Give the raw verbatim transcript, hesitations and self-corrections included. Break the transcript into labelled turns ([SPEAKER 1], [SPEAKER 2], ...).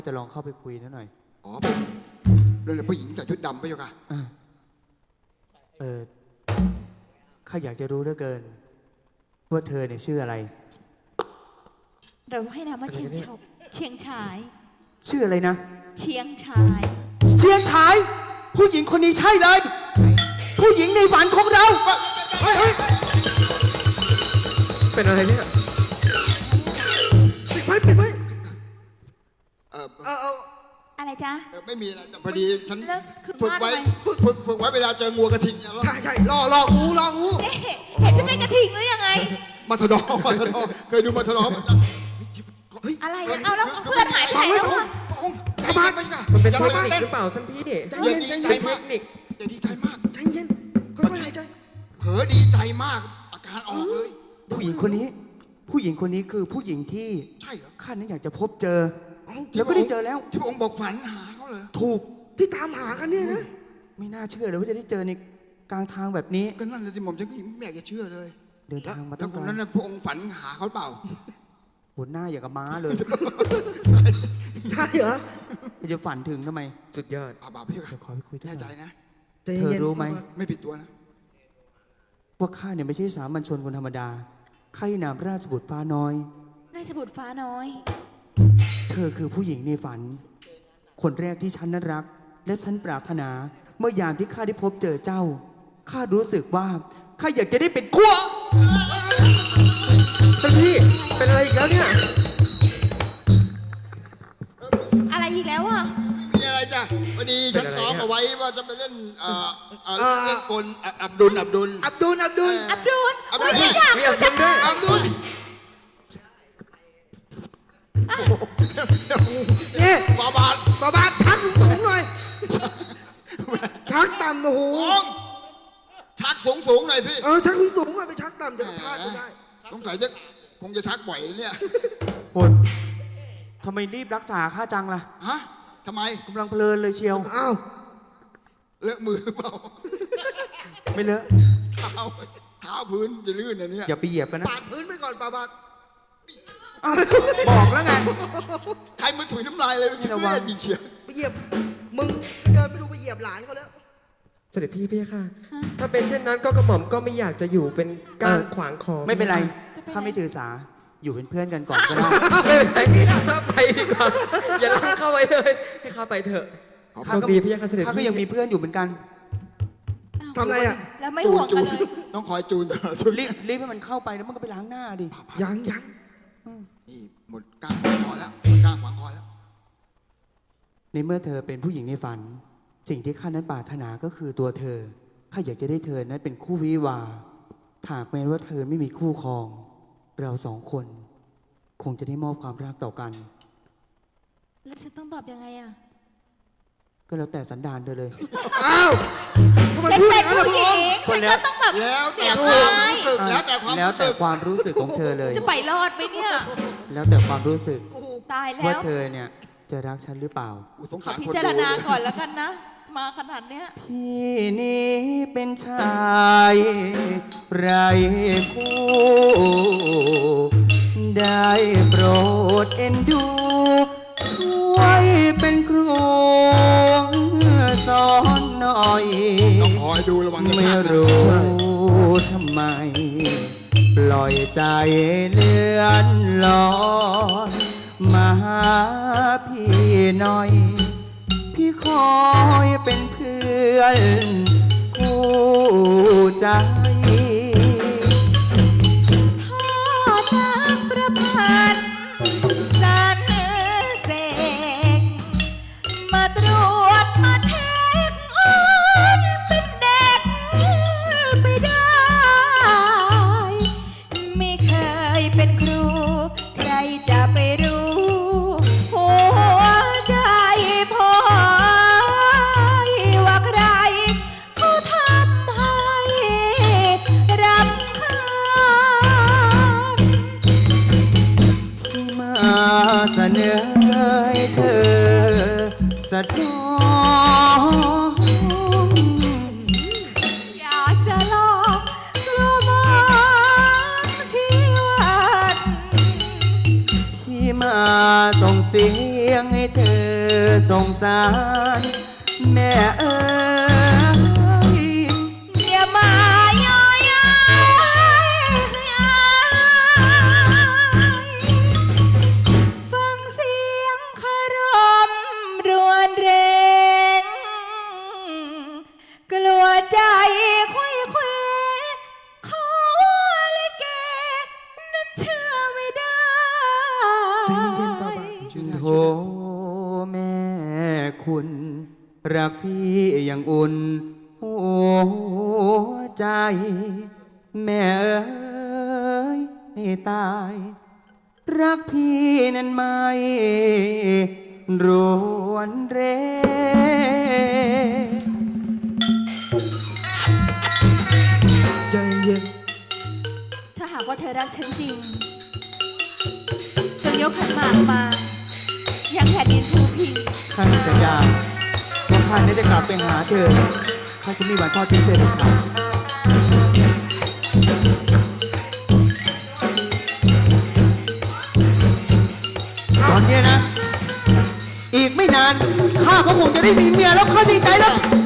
[SPEAKER 1] จะลองเข้าไปคุยนิดหน่อย
[SPEAKER 2] อ๋อเรื่องผู้หญิงใส่ชุดดำไปอยู่ค่ะ
[SPEAKER 1] เออข้าอยากจะรู้เหลือเกินว่าเธอเนี่ยชื่ออะไร
[SPEAKER 3] เราให้นามว่าเชียงชบเชียงชาย
[SPEAKER 1] ชื่ออะไรนะ
[SPEAKER 3] เชียงชาย
[SPEAKER 1] เชียงชายผู้หญิงคนนี้ใช่เลยผู้หญิงในฝันของเราเฮ้ยเฮ้ย
[SPEAKER 4] เป็นอะไรเนี่ย
[SPEAKER 1] ปิดไว้ปิดไว้
[SPEAKER 2] เออ
[SPEAKER 3] เออเอออะไรจ๊ะ
[SPEAKER 2] ไม่มีอะไรแต่พอดีฉันฝึกไว้ฝึกฝึกฝึกไว้เวลาเจองูกระทิง
[SPEAKER 1] ใช่ใช่ล่อล่องูล่องู
[SPEAKER 3] เห็นฉันเป็นกระทิงหรือยังไง
[SPEAKER 2] มาทดอมาทดอเคยดูมาทดอ
[SPEAKER 3] อะไรเอาแล้วเพื่อนหายไปไหนแล้วอะ
[SPEAKER 2] ใจมากมัน
[SPEAKER 4] เป็นเทคนิคหรือเปล่าท่านพี่
[SPEAKER 2] ใจเย็นใจมากอย่าดีใจมาก
[SPEAKER 1] ใจเย็นค่อยๆหายใจ
[SPEAKER 2] เผลอดีใจมากอาการออกเลย
[SPEAKER 1] ผู้หญิงคนนี้ผู้หญิงคนนี้คือผู้หญิงที่
[SPEAKER 2] ใช่เหรอ
[SPEAKER 1] ข้านั้นอยากจะพบเจอแล้วก็ได้เจอแล้ว
[SPEAKER 2] ที่พระองค์บอกฝันหาเขาเลย
[SPEAKER 1] ถูกที่ตามหากันเนี่ยนะไม่น่าเชื่อเลยว่าจะได้เจอในกลางทางแบบนี้
[SPEAKER 2] ก็นั่นเลยที่ผมฉันไม่อยากจะเชื่อเลย
[SPEAKER 1] เดินทางมาตั้ง
[SPEAKER 2] นานแล้วนั้นพระองค์ฝันหาเขาเปล่า
[SPEAKER 1] หัวหน้าอย่างกับม้าเลยใช่เหรอจะฝันถึงทำไม
[SPEAKER 4] สุดยอด
[SPEAKER 2] อาบาพี่
[SPEAKER 1] ขอไปคุย
[SPEAKER 2] แน่ใจนะ
[SPEAKER 1] เธอรู้ไหม
[SPEAKER 2] ไม่ผิดตัวนะ
[SPEAKER 1] ว่าข้าเนี่ยไม่ใช่สามัญชนคนธรรมดาข้านามราชบุตรฟ้าน้อย
[SPEAKER 3] ราชบุตรฟ้าน้อย
[SPEAKER 1] เธอคือผู้หญิงในฝันคนแรกที่ฉันนั้นรักและฉันปรารถนาเมื่อยามที่ข้าได้พบเจอเจ้าข้ารู้สึกว่าข้าอยากจะได้เป็นขั้ว
[SPEAKER 4] ท่านพี่เป็นอะไรอีกแล้วเนี่ย
[SPEAKER 3] อะไรอีกแล้วอ่ะ
[SPEAKER 2] มีอะไรจ้ะพอดีฉันซ้อมเอาไว้ว่าจะไปเล่นเอ่อเล่นกลอับดุลอับดุล
[SPEAKER 1] อับดุลอับดุล
[SPEAKER 3] อับดุล
[SPEAKER 2] อับดุล
[SPEAKER 4] มีอับดุลด้วย
[SPEAKER 2] อับดุล
[SPEAKER 1] นี่
[SPEAKER 2] บาบาด
[SPEAKER 1] บาบาดชักสูงหน่อยชักต่ำโอ้โห
[SPEAKER 2] ชักสูงสูงหน่อยสิ
[SPEAKER 1] เออชักสูงสูงหน่อยไปชักต่ำจะพลาดก็ได้
[SPEAKER 2] สงสัยจะคงจะชักบ่อยเนี่ย
[SPEAKER 1] ปวดทำไมรีบรักษาข้าจังล่ะ
[SPEAKER 2] ฮะทำไม
[SPEAKER 1] กำลังเพลินเลยเชียว
[SPEAKER 2] อ้าวเลอะมือเปล่า
[SPEAKER 1] ไม่เลอะ
[SPEAKER 2] เท้าเท้าพื้นจะลื่นอันนี้
[SPEAKER 1] อย่าไปเหยียบกันนะ
[SPEAKER 2] ปาดพื้นไปก่อนปาบาด
[SPEAKER 1] บอกแล้วไง
[SPEAKER 2] ใครมือถุยน้ำลายเลยไม่ใช่เล่นจริงเชียว
[SPEAKER 1] ไปเหยียบมึงเดินไปดูไปเหยียบหลานเขาแล้ว
[SPEAKER 4] เสด็จพี่พี่ค่ะถ้าเป็นเช่นนั้นก็กระหม่อมก็ไม่อยากจะอยู่เป็นก้างขวางคอ
[SPEAKER 1] ไม่เป็นไรข้าไม่ถือสาอยู่เป็นเพื่อนกันก่อนก็ได้
[SPEAKER 4] ไม่เป็นไรไปดีกว่าอย่าล้างเข้าไว้เลยให้ข้าไปเถอะโชคดีพี่ค่ะเสด็จพี่
[SPEAKER 1] ข้าก็ยังมีเพื่อนอยู่เหมือนกัน
[SPEAKER 3] ทำอะไรอ่ะแล้วไม่ห่วงกันเลย
[SPEAKER 2] ต้องคอยจูน
[SPEAKER 1] รีบรีบให้มันเข้าไปแล้วมันก็ไปล้างหน้าดิ
[SPEAKER 2] ยังยังนี่หมดก้างขวางคอแล้วก้างขวางคอแล้ว
[SPEAKER 1] ในเมื่อเธอเป็นผู้หญิงในฝันสิ่งที่ข้านั้นปรารถนาก็คือตัวเธอข้าอยากจะได้เธอนั้นเป็นคู่วิวาหากแม้ว่าเธอไม่มีคู่ครองเราสองคนคงจะได้มอบความรักต่อกัน
[SPEAKER 3] แล้วฉันต้องตอบยังไงอ่ะ
[SPEAKER 1] ก็แล้วแต่สันดานเธอเลย
[SPEAKER 2] อ้าว
[SPEAKER 3] ทำไมพูดอย่างนั้นล่ะพระองค์ฉันก็ต้องแบบ
[SPEAKER 2] แล้วแต่ความรู้สึกแล้วแต่ความ
[SPEAKER 1] แล้วแต่ความรู้สึกของเธอเลย
[SPEAKER 3] จะไปรอดไหมเนี่ย
[SPEAKER 1] แล้วแต่ความรู้สึก
[SPEAKER 3] ตายแล้ว
[SPEAKER 1] ว่าเธอเนี่ยจะรักฉันหรือเปล่า
[SPEAKER 3] ขอพิจารณาก่อนแล้วกันนะมาขนาดเนี้ย
[SPEAKER 1] พี่นี้เป็นชายไรคู่ได้โปรดเอ็นดูช่วยเป็นครูสอนหน่อย
[SPEAKER 2] ต้องคอยดูระวัง
[SPEAKER 1] ไม่รู้ทำไมปล่อยใจเลื่อนลอยมาหาพี่หน่อยพี่คอยเป็นเพื่อนคู่ใจ
[SPEAKER 3] พ่อนักประพันธ์สรรเสกมาตรวจมาเช็คอ้อนเป็นเด็กไปได้ไม่เคยเป็นครูใครจะไปรู้หัวใจพ่อว่าใครเขาทำให้รำคาญ
[SPEAKER 1] ที่มาเสนอให้เธอสะท้อน
[SPEAKER 3] อยากจะลองกลัวมองชีวิต
[SPEAKER 1] ที่มาส่งเสียงงให้เธอสงสารแม่เอ๋ย
[SPEAKER 3] อย่ามาย่อยฟังเสียงคารมรวนเรงกลัวใจค่อยเควขอลิเกนั้นเชื่อไม่ได้
[SPEAKER 2] ใจเย็นๆฟ้าบาทชื่อง่าย
[SPEAKER 1] โธ
[SPEAKER 2] ชื่อง่าย
[SPEAKER 1] แม่คุณ รักพี่อย่างอุ่นหัวใจ แม่เอ๋ยให้ตาย รักพี่นั้นไม่รวนเร
[SPEAKER 2] ใจเย็น
[SPEAKER 3] ถ้าหากว่าเธอรักฉันจริงจงยกขันหมากมายังแผ่นดินภูพิง
[SPEAKER 1] ข้าสัญญาว่าข้านี้จะกลับไปหาเธอข้าจะไมีวันทอดทิ้งเธอเด็ดขาดตอนเนี้ยนะ อีกไม่นาน ข้าก็คงจะได้มีเมียแล้วข้าดีใจแล้ว